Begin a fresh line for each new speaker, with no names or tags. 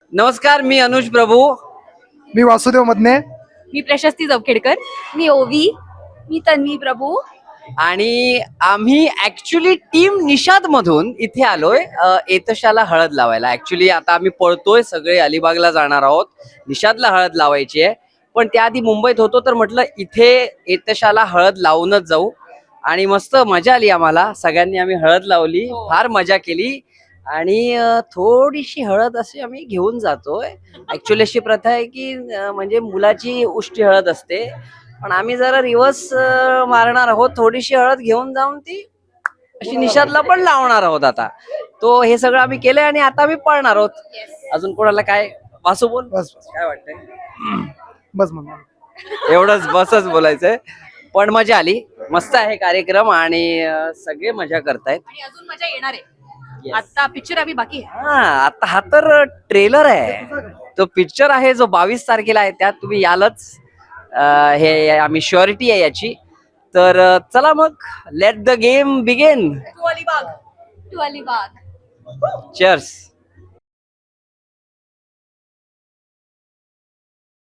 नमस्कार, मी अनुज प्रभू.
मी वासुदेव मदने.
मी प्रशस्ती जवखेडकर.
मी ओवी. मी तन्वी प्रभू.
आणि आम्ही ऍक्च्युली टीम निषाद मधून इथे आलोय एतशाला हळद लावायला. ऍक्च्युली आता आम्ही पळतोय, सगळे अलिबागला जाणार आहोत, निषादला हळद लावायची आहे. पण त्याआधी मुंबईत होतो तर म्हटलं इथे एतशाला हळद लावूनच जाऊ. आणि मस्त मजा आली आम्हाला, सगळ्यांनी आम्ही हळद लावली, फार मजा केली. आणि थोडीशी हळद अशी आम्ही घेऊन जातोय. ऍक्च्युली अशी प्रथा आहे की म्हणजे मुलाची उष्टी हळद असते, पण आम्ही जरा रिवर्स मारणार आहोत. थोडीशी हळद घेऊन जाऊन ती अशी निषादला पण लावणार आहोत. आता तो हे सगळं आम्ही केलंय आणि आता आम्ही पळणार आहोत. अजून कोणाला काय वासू बोल,
बस
काय वाटतंय?
बस मग
एवढंच, बसच बोलायचंय. पण मजा आली, मस्त आहे कार्यक्रम आणि सगळे मजा करतायत.
आणि अजून मजा येणार आहे.
Yes.
आता पिक्चर आम्ही बाकी आहे.
आता हा तर ट्रेलर आहे, तो पिक्चर आहे जो 22 तारखेला आहे, त्यात तुम्ही यालच. हे आम्ही श्युरिटी आहे याची. तर चला मग, let the game begin.
To Alibag.
To Alibag.
Cheers.